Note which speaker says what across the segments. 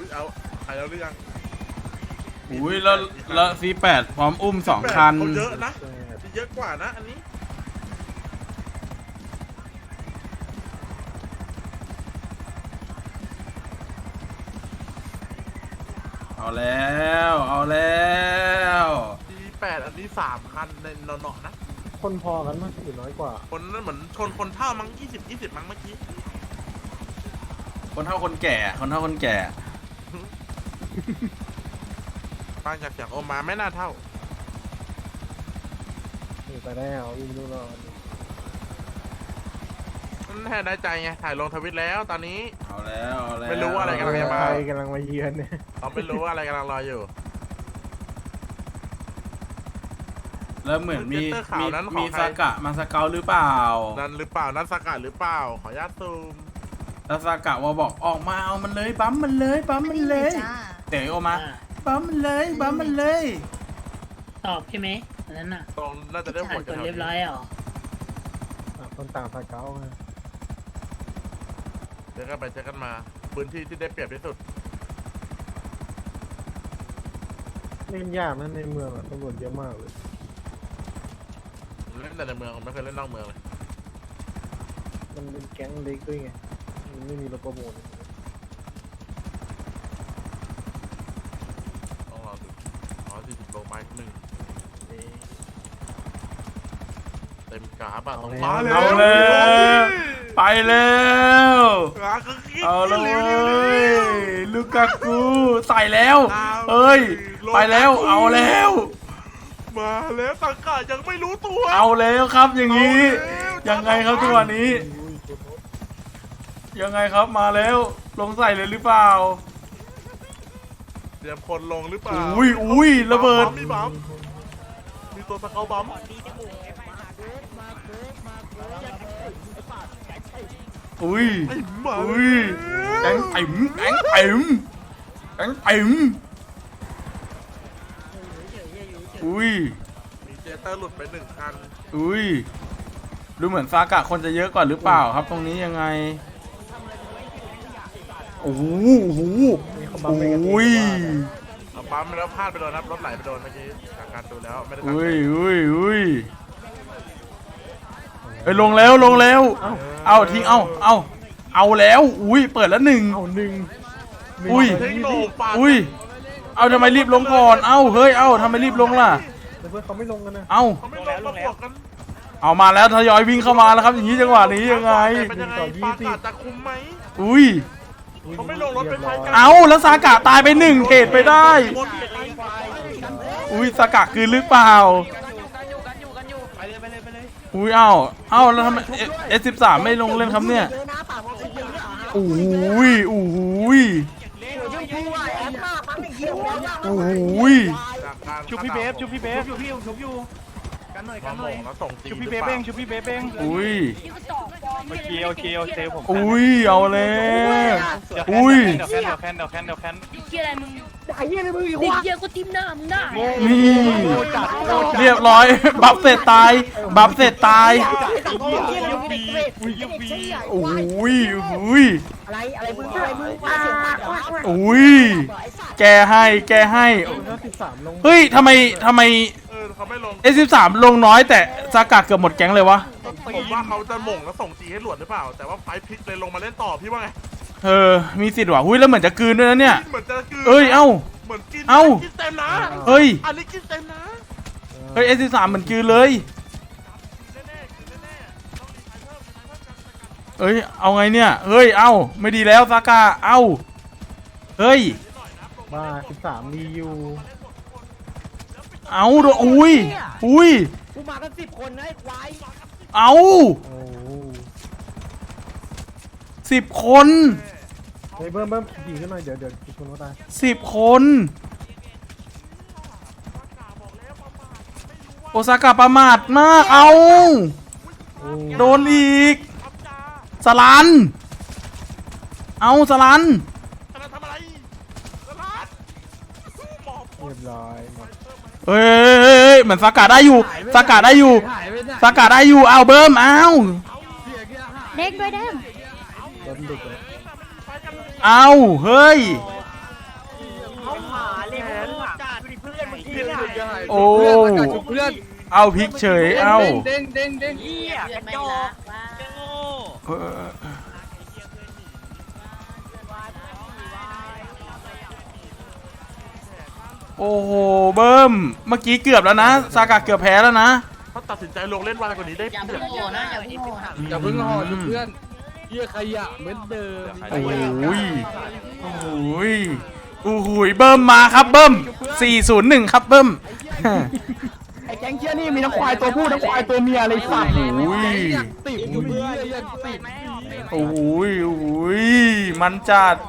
Speaker 1: เอาใครแล้วหรือยัง
Speaker 2: อุ้ยแล้วC8พร้อมอุ้ม2 คัน
Speaker 1: เยอะนะเยอะกว่านะอันนี้
Speaker 2: เอาแล้ว
Speaker 1: 8อันนี้3 คันในเนาะนะ
Speaker 3: คนพอกันมั้ยหรือน้อยกว่า
Speaker 1: คนนั้นเหมือนชนคนเท่ามั้ง20มั้งเมื่อกี้
Speaker 2: คนเท่าคนแก่
Speaker 1: ฟังจากเสียงโอมาไม่น่าเท่า
Speaker 3: ไปแล้ววิ่งดูรอ
Speaker 1: แค่ได้ใจไงถ่ายลงทวิตแล้วตอนนี้
Speaker 2: เอาแล้ว
Speaker 1: ไม่รู้ว่าอะไรกำลังจะมา
Speaker 3: ใครกำลังมาเยือนเนี่ย
Speaker 1: เราไม่รู้ว่าอะไรกำลังรออยู่
Speaker 2: แล้วเหมือนมีซากะมาสเกลหรือเปล่า
Speaker 1: นั่นหรือเปล่านั่นซากะหรือเปล่าขออนุญาตซูม
Speaker 2: แล้วซากะว่าบอกออกมาเอามันเลยบั๊มมันเลยเต๋อออกมาบั๊มมันเลย
Speaker 4: ตอบใช่ไหมอันนั้นน่ะ
Speaker 1: ตรงน่าจะได้หมด
Speaker 4: กันเรียบร้อยอ่ะ
Speaker 3: คนต่างสเกล
Speaker 1: เจอกันมาพื้นที่ที่ได้เปรียบที่สุด
Speaker 3: เล่นยากนะในเมืองตำรวจเยอะมากเลย
Speaker 1: เล่นแต่ในเมืองผมไม่เคยเล่นนอกเมืองเลย
Speaker 3: มันเป็นแก๊งเล็กด้วยไงมันไม่มีรถประมูล
Speaker 1: ต้องรอดู40 โลไม้1เต็มกราฟอะต้องมาเลย
Speaker 2: เอาเลยไปแล้วเอาเลยลูกากูใส่แล้วเฮ้ยไปแล้วเอาแล้ว
Speaker 1: มาแล้วสังกัดยังไม่รู้ตัว
Speaker 2: เอาแล้วครับอย่างนี้ยังไงครับตัวนี้ยังไงครับมาแล้วลงใส่เลยหรือเปล่า
Speaker 1: เตรียมคนลงหรือเปล่า
Speaker 2: อุ้ยระเบิด
Speaker 1: มีตัวสเกลบัม
Speaker 2: อุ้ยแก๊งติ๋มอุ้ย
Speaker 1: มีเจเตอร์หลุดไป1 คัน
Speaker 2: อุ้ยดูเหมือนซากะคนจะเยอะกว่าหรือเปล่าครับตรงนี้ยังไงโอ้โห
Speaker 1: ปั๊มแล้วพลาดไปโดนครับรถไหลไปโดนเมื่อกี้จากการดูแล้วไม่ได้ตั้งใจ
Speaker 2: ไปลงแล้วเอาทิ้งเอาแล้วอุ้ยเปิดแล้ว1อุ้ยเอาทำไมรีบลงก่อนเอ้าเฮ้ยเอ้าทำไมรีบลงล่ะ
Speaker 3: เพื่อนเขาไม่ลงกันนะ
Speaker 2: เอามาแล้วทยอยวิ่งเข้ามาแล้วครับอย่างนี้จังหวะนี้ยังไง
Speaker 1: เป็นยังไงปากาจะคุ้มไหม
Speaker 2: อุ้ย
Speaker 1: เขาไม่ลงรถเป็นไฟกัน
Speaker 2: เอาแล้วซากะตายไป1เทรดไปได้อุ้ยซากะคือหรือเปล่าอุ้ยเอาแล้วทำไมS13ไม่ลงเล่นครับเนี่ยอุ้ย
Speaker 5: ชุบพี่เบฟชุบพี่กันหน่อยชุบพี่เบฟเอง
Speaker 2: อุ้ย
Speaker 5: โอเคผม
Speaker 2: อุ้ยเอาเลยอุ้ย
Speaker 5: เดี๋ยวแคน
Speaker 4: เกี่ยอะไรมึงเกี่ยก็ทิมหน้ามึงได้
Speaker 2: นี่เรียบร้อยบัฟเสร็จตายอุ้ย
Speaker 4: อะไรมึง
Speaker 2: อุ้ยแกให้เฮ้ยทำไม
Speaker 1: เขาไม่ลง
Speaker 2: S13ลงน้อยแต่ซากะเกือบหมดแก๊งเลยวะ
Speaker 1: ผมว่าเขาจะหม่งแล้วส่งจีให้หลวดหรือเปล่าแต่ว่าไฟพลิกเลยลงมาเล่นต่อพี่ว่าไง
Speaker 2: มีสิทธิ์ว่ะหุ้ยแล้วเหมือนจะกลืนด้วยนะเนี่ย
Speaker 1: เหมือนจะกลืน
Speaker 2: เอ้ยเอ้า
Speaker 1: เหมือนกินเต็มนะ
Speaker 2: เฮ้ย
Speaker 1: อันนี้กินเต็มนะ
Speaker 2: เฮ้ย S13เหมือนกลืนเลยเอ้ยเอาไงเนี่ยเฮ้ยเอ้าไม่ดีแล้วซากะเอ้าเฮ้ย
Speaker 3: บ้า13มีอยู่
Speaker 2: เอาดูอุ้ย
Speaker 4: กูมากัน10 คนนะไอ้ควาย
Speaker 2: เอา10 คน
Speaker 3: เฮ้ยเบิ่มขี่ขึ้นมาเดี๋ยวคนว่าตาย
Speaker 2: 10 คนโอซากะประมาทมากเอาโดนอีกสลัน
Speaker 1: ทำอะไร
Speaker 3: เรียบร้อย
Speaker 2: เฮ้ยเหมือนซากะได้อยู่เอาเบิ้มเอา
Speaker 4: เด็กด้วยเด้ม
Speaker 2: เอาเฮ้ยโอ้
Speaker 3: เพื่อน
Speaker 2: เอาพลิกเฉยเอา
Speaker 3: เด้ง
Speaker 4: เหี้ยกระจอก
Speaker 2: เออโอ้โหเบิ้มเมื่อกี้เกือบแล้วนะซากะเกือบแพ้แล้วนะ
Speaker 1: เขาตัดสินใจลงเล่นวายกว่านี้ได้
Speaker 4: อย่า
Speaker 1: เปรี
Speaker 4: เพิ่
Speaker 1: ย
Speaker 4: ง
Speaker 1: บ
Speaker 4: โง่นะอย่าเพิ่งโง่
Speaker 3: อย่าเพิ่งห่อเพื่อนเหี้ยขยะเหมือนเดิม
Speaker 2: โอ้ยโอ้ยโอ้โหเบิ้มมาครับเบิ้ม401ครับเบิ้ม
Speaker 3: ไอ้แก๊งเชี่ยนี่มีทั้งควายตัวผู้ทั้งควายตัวเมียเลยสัตว์
Speaker 2: โอ้ย
Speaker 3: ติดอยู่เพื่อนอยากติด
Speaker 2: โอ้ยโอ้ยมันจัด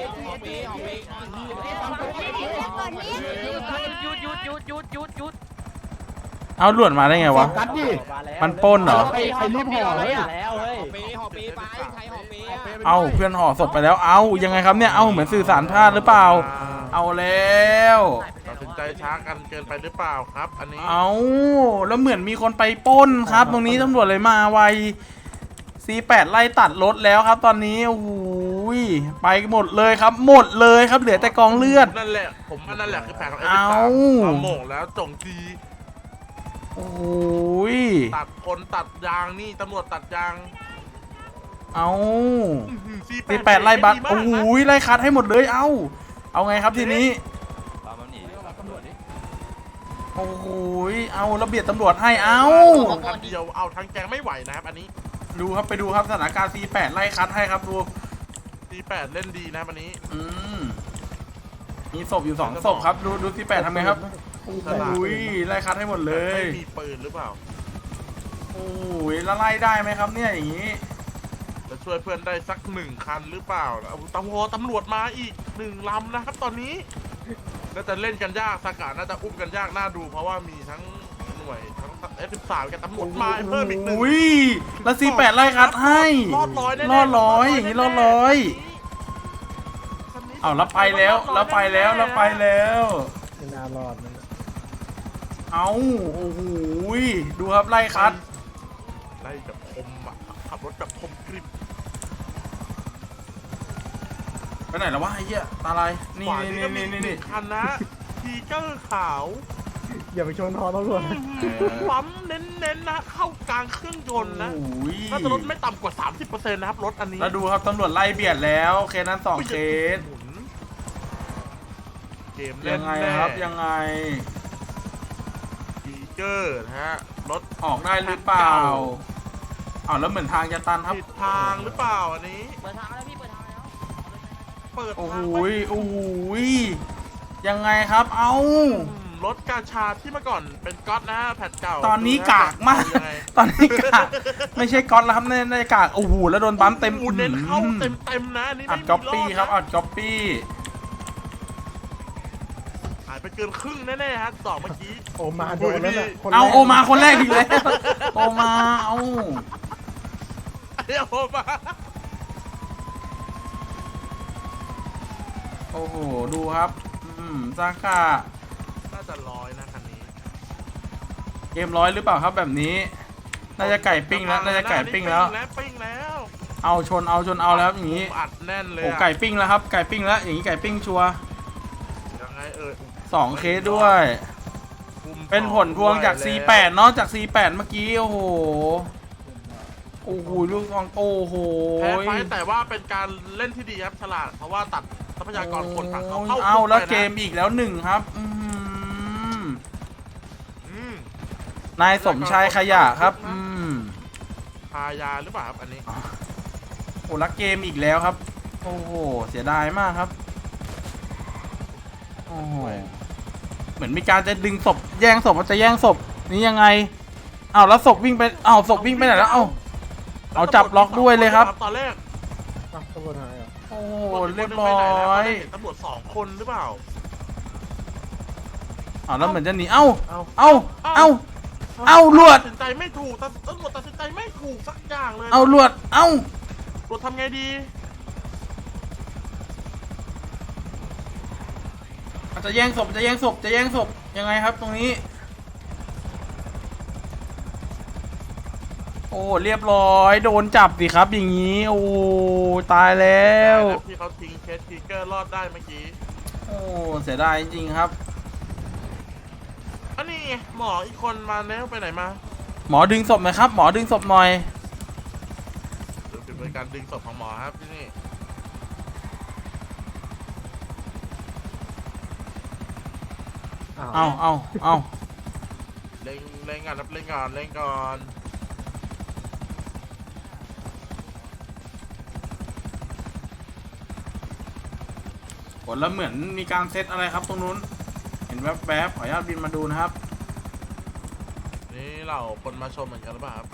Speaker 4: หยุด
Speaker 2: เอาหลวดมาได้ไงวะ
Speaker 3: กัดดิ
Speaker 2: มันปล้นเหรอ
Speaker 3: ใครรีบห่อเลย
Speaker 2: เอาเพื่อนห่อศพไปแล้ว เอายังไงครับเนี่ย เอาเหมือนสื่อสารพลาดหรือเปล่า เอาแล้ว
Speaker 1: ตัดสินใจช้ากันเกินไปหรือเปล่าครับ อันนี้
Speaker 2: เอาแล้วเหมือนมีคนไปปล้นครับ ตรงนี้ตำรวจเลยมาไว C8 ไล่ตัดรถแล้วครับ ตอนนี้โอ้โหยไปหมดเลยครับ หมดเลยครับ เหลือแต่กองเลือด
Speaker 1: นั่นแหละผมว่านั่นแหละคือแผนของ
Speaker 2: เอา
Speaker 1: เอาโหม่งแล้วจงจี
Speaker 2: โอ้ย
Speaker 1: ตัดคนตัดยางนี่ตำรวจตัดยาง
Speaker 2: เอา
Speaker 1: C8
Speaker 2: C8 ไล่บัตร
Speaker 1: ดีมาก
Speaker 2: โอ้
Speaker 1: นะ
Speaker 2: โหยไล่คัดให้หมดเลย เอาไงครับทีนี้โอ้โหยเอาระเบียบตำรวจให้ เอา
Speaker 1: คันเดียวเอาทั้งแกงไม่ไหวนะครับอันนี้
Speaker 2: ดูครับไปดูครับสถานการณ์ C8 ไล่คัดให้ครับดู
Speaker 1: C8 เล่นดีนะวันนี้
Speaker 2: มีศพอยู่2ศพครับดู C8 ทำไงครับโอ้ยไล่คัดให้หมดเลย
Speaker 1: ไม่มีปืนหรือเปล่า
Speaker 2: โอ้ยแล้วไล่ได้ไหมครับเนี่ยอย่างนี้
Speaker 1: จะช่วยเพื่อนได้สัก1 คันหรือเปล่าเอาตำรวจมาอีก1 ลำนะครับตอนนี้น่าจะเล่นกันยากสกัดน่าจะอุ้มกันยากน่าดู เพราะว่ามีทั้งหน่วยทั้ง F13 กับตำรวจมาเพิ่มอีก1
Speaker 2: อุ้ยแล้ว C8 ไล่คัดให้
Speaker 1: รอดร้อยแน่ๆ
Speaker 2: รอดร้อยอย่างนี้รอดร้อยเอาแล้วไปแล้วแล้วไปแล้วแล้วไปแล้ว
Speaker 3: ไม่น่ารอดนะ
Speaker 2: เอาโอ้โหยดูครับไล่คัด
Speaker 1: ไล่แบบคมอ่ะขับรถแบบคมกริบ
Speaker 2: ไปไหนแล้ววะไอ้เหี้ยตาลายนี่
Speaker 1: ขวา
Speaker 2: นี่
Speaker 1: นี่ก็มี
Speaker 2: นี่นี่
Speaker 1: 1 คันนะทีเกอร์ขาว
Speaker 3: อย่าไปชนทอตำรวจ
Speaker 1: ปั๊มเน้นๆนะเข้ากลางเครื่องยนต์นะ
Speaker 2: โอ้ย
Speaker 1: น่าจะลดไม่ต่ำกว่า 30%นะครับรถอันนี้
Speaker 2: แล้วดูครับตำรวจไล่เบียดแล้วเคสนั้น2เคส
Speaker 1: หมุนเกม
Speaker 2: ยังไงครับยังไง
Speaker 1: ทีเกอร์นะฮะรถ
Speaker 2: ออกได้หรือเปล่าอ้าวแล้วเหมือนทางจะตันครับ
Speaker 1: ผิดทางหรือเปล่าอันนี้
Speaker 4: เปิดทางแล้วพี่เปิดทางแล้ว
Speaker 1: เปิด
Speaker 2: โอ้โห
Speaker 1: ทางไว้
Speaker 2: ยโอ้โหยยังไงครับเอ้าร
Speaker 1: ถกาชาที่เมื่อก่อนเป็นก๊อตนะฮะแผ่นเก่า
Speaker 2: ตอนนี้กากมาก
Speaker 1: ยังไง
Speaker 2: ตอนนี้กากไม่ใช่ก๊อตแล้วครับในกากโอ้โหแล้วโดนปั๊มเต็ม
Speaker 1: โอ้โหเน้นเข้าเต็มนะอันนี่
Speaker 2: อั
Speaker 1: ไม่
Speaker 2: ด
Speaker 1: มี
Speaker 2: ก๊อปปี้
Speaker 1: ด
Speaker 2: ครับ
Speaker 1: นะ
Speaker 2: อัดก๊อปปี้
Speaker 1: หายไปเกินครึ่งแน่ๆฮะสองเมื่อกี้
Speaker 3: โอมาโดนแล้วน่ะ
Speaker 2: เอาโอมาคนแรกอีกแล้วโอมาเอา
Speaker 1: เดี๋ยวมา
Speaker 2: โอ้โหดูครับซากะ
Speaker 1: น่าจะ100นะคันนี้
Speaker 2: เกมร้อยหรือเปล่าครับแบบนี้ น่าจะไก่ปิ้งแล้วน่าจะไก่ปิ้งแล้ว
Speaker 1: ปิ้งแล้ว
Speaker 2: เอาชนเอาแล้วอย่างนี้
Speaker 1: อัดแน่นเลย
Speaker 2: โอ้
Speaker 1: อะ
Speaker 2: ไก่ปิ้งแล้วครับไก่ปิ้งแล้วอย่างนี้ไก่ปิ้งชัวร์
Speaker 1: ยังไง
Speaker 2: 2เคสด้วย เป็นผลพวงจาก C8 เนาะจาก C8 เมื่อกี้โอ้โหโอ้โหลูกฟองโอ้โห
Speaker 1: แพ้ไฟแต่ว่าเป็นการเล่นที่ดีครับฉลาดเพราะว่าตัดทรัพยากรคนฝั่งเขาเข้า
Speaker 2: เอาแล้ว
Speaker 1: คุไปนะ
Speaker 2: เกมอีกแล้ว1ครับ
Speaker 1: อืม
Speaker 2: นายสมชายขยะครับ
Speaker 1: พายาหรือเปล่าครับอันนี้
Speaker 2: โอ้แล้วเกมอีกแล้วครับโอ้โหเสียดายมากครับโอ้โหเหมือนมีการจะดึงศพแย่งศพมันจะแย่งศพนี่ยังไงเอาแล้วศพวิ่งไปเอาศพวิ่งไปไหนแล้วเอาจับล็อกด้วยเลยครับ
Speaker 1: ตอนแรก
Speaker 3: ตำรวจหายเหรอ
Speaker 2: โอ้เรียบร้อย
Speaker 1: ตำรวจ2 คนหรือเปล่า
Speaker 2: แล้วเหมือนจะหนีเอาลวด
Speaker 1: ตัดสินใจไม่ถูกตำรวจตัดสินใจไม่ถูกสักอย่างเลย
Speaker 2: เอาลวด
Speaker 1: ตำรวจทำไงดี
Speaker 2: จะแย่งศพยังไงครับตรงนี้โอ้เรียบร้อยโดนจับสิครับอย่างนี้โอ้ตายแล้ว
Speaker 1: ที่เขาทิ้งเคสทีเกอร์รอดได้เมื่อกี้
Speaker 2: โอ้เสียดายจริงๆครับ
Speaker 1: อันนี้ไงหมออีกคนมาแล้วไปไหนมา
Speaker 2: หมอดึงศพหน่อยครับ หมอดึงศพหน่อย
Speaker 1: เดี๋ยวเป็นการดึงศพของหมอครับที่นี่
Speaker 2: เอา
Speaker 1: เล่งก่อนครับเล่งก่อน
Speaker 2: ผลแล้วเหมือนมีการเซตอะไรครับตรงนู้น เห็นแวบๆขออนุญาตบินมาดูนะครับ
Speaker 1: นี่เราคนมาชมเหมือนกันหรือเปล่าครับ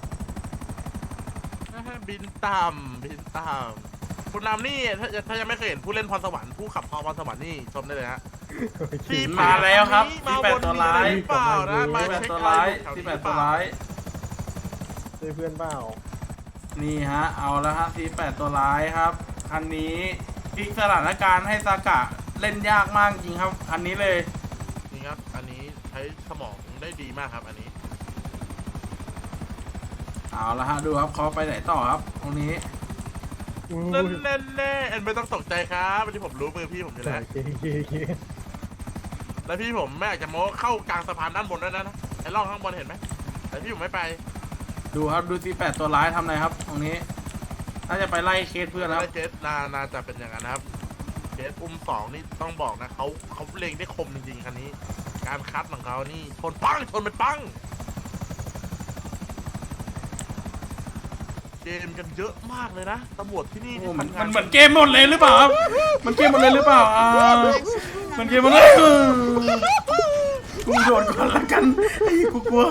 Speaker 1: บินต่ำคุณนำนี่ถ้ายังไม่เคยเห็นผู้เล่นพรสวรรค์ผู้ขับพรสวรรค์นี่ชมได้เลยฮะ
Speaker 2: มาแล้วครับ
Speaker 1: มา
Speaker 2: ที่แปด
Speaker 1: วน
Speaker 2: ตัว
Speaker 1: มีอะ
Speaker 2: ร้า
Speaker 1: ไร
Speaker 2: ย
Speaker 1: หรือเปล่านะมา
Speaker 2: ที่แปด
Speaker 1: เช็ค
Speaker 2: ตัว
Speaker 1: อะไร
Speaker 2: ร้าย
Speaker 1: แถว
Speaker 2: ที่
Speaker 1: นี้
Speaker 2: แป
Speaker 1: ห
Speaker 2: ด
Speaker 1: รือเป
Speaker 2: ตัว
Speaker 1: ล่า
Speaker 2: ร้าย
Speaker 3: ช่วยเพื่อนเปล่า
Speaker 2: นี่ฮะ เอาแล้วฮะที่แปดตัวร้ายครับ คันนี้พลิกสถานการณ์ให้ซากะเล่นยากมากจริงครับ คันนี้เลย
Speaker 1: นี่ครับอันนี้ใช้สมองได้ดีมากครับอันนี้
Speaker 2: เอาละฮะดูครับเขาไปไหนต่อครับ ตรงนี้
Speaker 1: แน่เอ็นไม่ต้องตกใจครับวันนี้ผมรู้มือพี่ผมอยู่แล้ว
Speaker 3: โอเค
Speaker 1: แล้วพี่ผมไม่อยากจะโม้เข้ากลางสะพานด้านบนด้วยนะไอ้ร่องข้างบนเห็นไหมแต่พี่ผมไม่ไป
Speaker 2: ดูครับดูที่แปดตัวร้ายทำอะไรครับ ตรงนี้น่าจะไปไล่เคสเพื่อนครับ
Speaker 1: แล้วเคสนาจะเป็นอย่างนั้นนะครับเคสอุ้มสองนี่ต้องบอกนะเขาเล็งได้คมจริงๆคันนี้ การคัดของเขานี่ชนเป็นปังเกมกันเยอะมากเลยนะตำรวจที่นี่
Speaker 2: โอ้
Speaker 1: ที่
Speaker 2: มัน
Speaker 1: ทำงาน
Speaker 2: เหมือนเกมหมดเลยหรือเปล่าครับ มันเกมหมดเลยหรือเปล่ามันเกมหมดเลยกูโดนก่อนละกันไอ้กูกลัว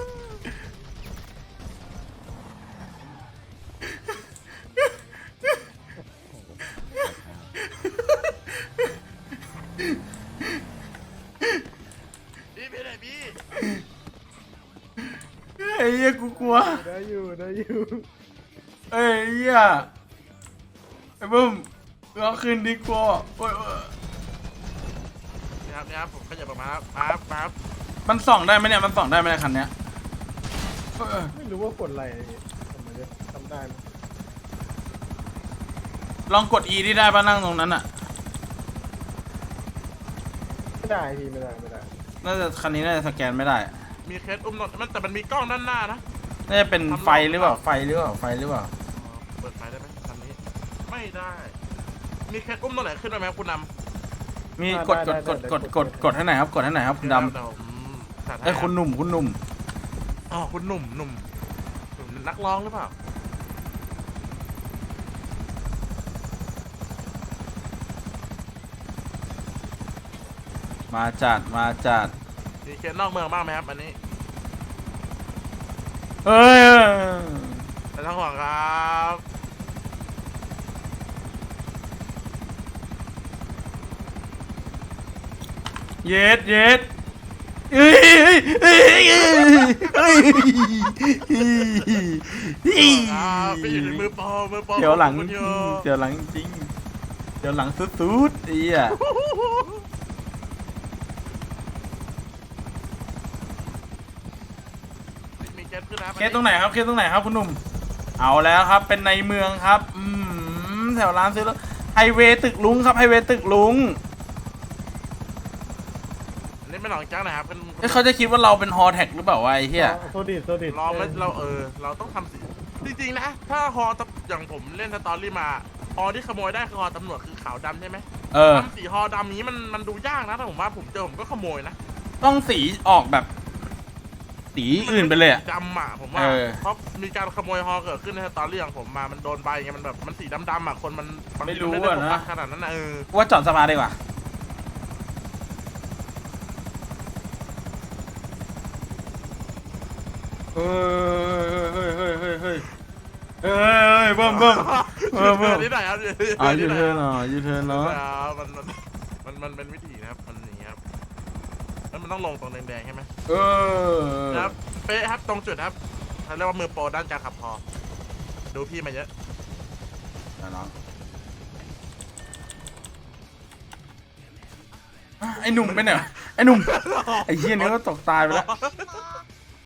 Speaker 1: พี่ไปไหนพี่
Speaker 2: ไอ้เหี้ยกูกลัว
Speaker 3: ได้อยู่
Speaker 2: เอ้ยเหี้ยไอ้บึ้มเอาคืนดีกว่าโอ้ย
Speaker 1: นี่ครับผมขยับออกมาครับ
Speaker 2: มันส่องได้ไหมเนี่ยมันส่องได้ไหมเนี่ยคันเนี้ย
Speaker 3: ไม่รู้ว่ากดอะไรผมไม่ได้ทำได้ไหม
Speaker 2: ลองกด E ที่ได้ป่ะนั่งตรงนั้นอ่ะ
Speaker 3: ไม่ได้พี่ไม่ได้
Speaker 2: น่าจะคันนี้น่าจะสแกนไม่ได้
Speaker 1: มีเคสอุ้มรถมันแต่มันมีกล้องด้านหน้านะ
Speaker 2: น่าจะเป็นไฟหรือเปล่าไฟหรือเปล่า
Speaker 1: เปิดไฟได้ไหมคันนี้ไม่ได้ มีเคสอุ้มตัวไหนขึ้นมาไหมครับคุณนำ
Speaker 2: มีกดให้หน่อยครับกดให้หน่อยครับคุณดำ
Speaker 1: เยวผมจัดให้
Speaker 2: ไอ้ยคุณหนุ่ม
Speaker 1: อ๋อคุณหนุ่มนักร้องหรือเปล่า
Speaker 2: มาจัด
Speaker 1: มีเคสนอกเมืองบ้างไหมครับอันนี้
Speaker 2: เอ้ย
Speaker 1: ไม่ต้องห่วงครับ
Speaker 2: เย็ดเอ้ย
Speaker 1: ครับไปอยู่ในมือปอ
Speaker 2: เดี๋ยวหลัง
Speaker 1: คุณโย
Speaker 2: เดี๋ยวหลังจริงเดี๋ยวหลังสุดๆไอ้เหี้ย
Speaker 1: มีเคสขึ้นนะครับ
Speaker 2: เคสตรงไหนครับคุณหนุ่มเอาแล้วครับเป็นในเมืองครับแถวร้านซื้อแล้วไฮเวย์ตึกลุงครับไฮเวย์ตึกลุง
Speaker 1: อันนี้เป็นหนองจ้างนะครับเป็น
Speaker 2: เอ้ยเขาจะคิดว่าเราเป็นฮอแท็กหรือเปล่าวะไอ้เหี้ย
Speaker 3: โซดิด
Speaker 1: เราไม่เราต้องทำสิจริงๆนะถ้าฮออย่างผมเล่นสตอรี่มาฮอที่ขโมยได้คือฮอตำรวจคือขาวดำใช่ไหม ทำสีฮอดำนี้มันดูยากนะแต่ผมว่าผมเจอผมก็ขโมยนะ
Speaker 2: ต้องสีออกแบบสีอื่นไปเลยอะ
Speaker 1: ดำอ่ะผมว่า
Speaker 2: เออ
Speaker 1: เพราะมีการขโมยฮอเกิดขึ้นในสตอรี่ของผมมามันโดนใบไงมันแบบมันสีดำๆอ่ะคนมัน
Speaker 2: ไม่รู้
Speaker 1: ด้
Speaker 2: อะ
Speaker 1: โฟกั
Speaker 2: นะ
Speaker 1: สขนาดนั้นนะ
Speaker 2: ว่าจอดสภาดีกว่าเฮ้ยเบิ่ม
Speaker 1: ยูเทิร์นนี่ไหนครับ
Speaker 2: ยูเทิร์นเนาะ
Speaker 1: มันเป็นวิธีนะครับมันอย่างนี้ครับแล้วมันต้องลงตรงแดงๆใช่ไหม ครับ เป๊ะครับตรงจุดครับเขาเรียกว่ามือโปรด้านการขับฮอดูพี่มาเยอะ
Speaker 2: ไอ้หนุ่มไปไหนไอ้หนุ่มไอ้เหี้ยนี่ก็ตกตายไปแล้ว